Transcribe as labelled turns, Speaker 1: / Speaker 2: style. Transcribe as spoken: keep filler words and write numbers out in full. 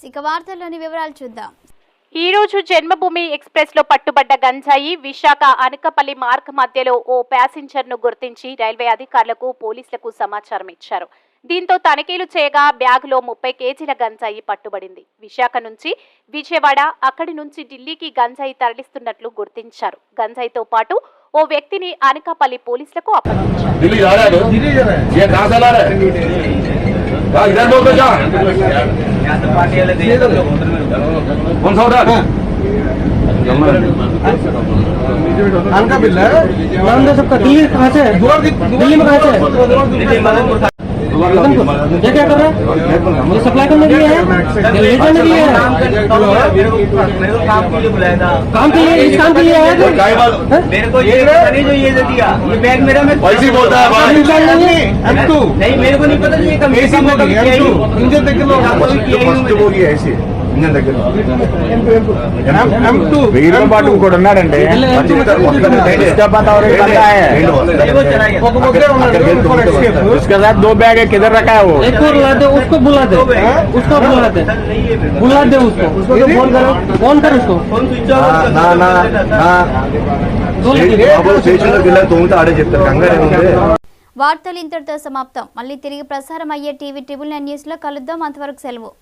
Speaker 1: ఇక వార్తల్లోని వివరాలు చూద్దాం.
Speaker 2: ఈ రోజు జన్మభూమి ఎక్స్ప్రెస్ లో పట్టుబడ్డ గంజాయి విశాఖ అనకపల్లి మార్గ్ మధ్యలో ఓ ప్యాసింజర్ ను గుర్తించి రైల్వే అధికారులకు పోలీసులకు సమాచారం ఇచ్చారు. దీంతో తనిఖీలు చేయగా బ్యాగులో ముప్పై కేజీల గంజాయి పట్టుబడింది. విశాఖ నుంచి విజయవాడ, అక్కడి నుంచి ఢిల్లీకి గంజాయి తరలిస్తున్నట్లు గుర్తించారు. గంజాయితో పాటు ఓ వ్యక్తిని అనకాపల్లి పోలీసులకు అప్పగించారు.
Speaker 3: दिल्ली कहाँ से दिल्ली में कहाँ से ये क्या कर रहा है? ये सप्लाई करने के लिए है, ये ले जाने के लिए है। काम के लिए बुलाया था, काम के लिए, इस काम के लिए आया था। मेरे को ये नहीं जो ये दे दिया, ये बैग मेरा में पैसे बोलता है भाई नहीं, मेरे को नहीं पता ये कम ऐसी मोटा किया ही इंजन तक लो कोई किया ही नहीं बोली ऐसे ఇంజన్ దగ్గర వీరితో పాటు ఇంకోటి ఉన్నాడండి. उसके साथ दो बैग है, किधर रखा है वो? एक और बुला दे, उसको बुला दे, उसको बुला दे, बुला दे उसको, उसको फोन करो, फोन कर उसको. ना ना ना స్టేషన్లోకి వెళ్ళా తోమితే ఆడే చెప్తారు కంగారు ఏముంది.
Speaker 1: వార్తలు ఇంతటితో సమాప్తం. మళ్ళీ తిరిగి ప్రసారం అయ్యే టీవీ ట్రిబుల్ నైన్ న్యూస్ లో కలుద్దాం. అంతవరకు సెలవు.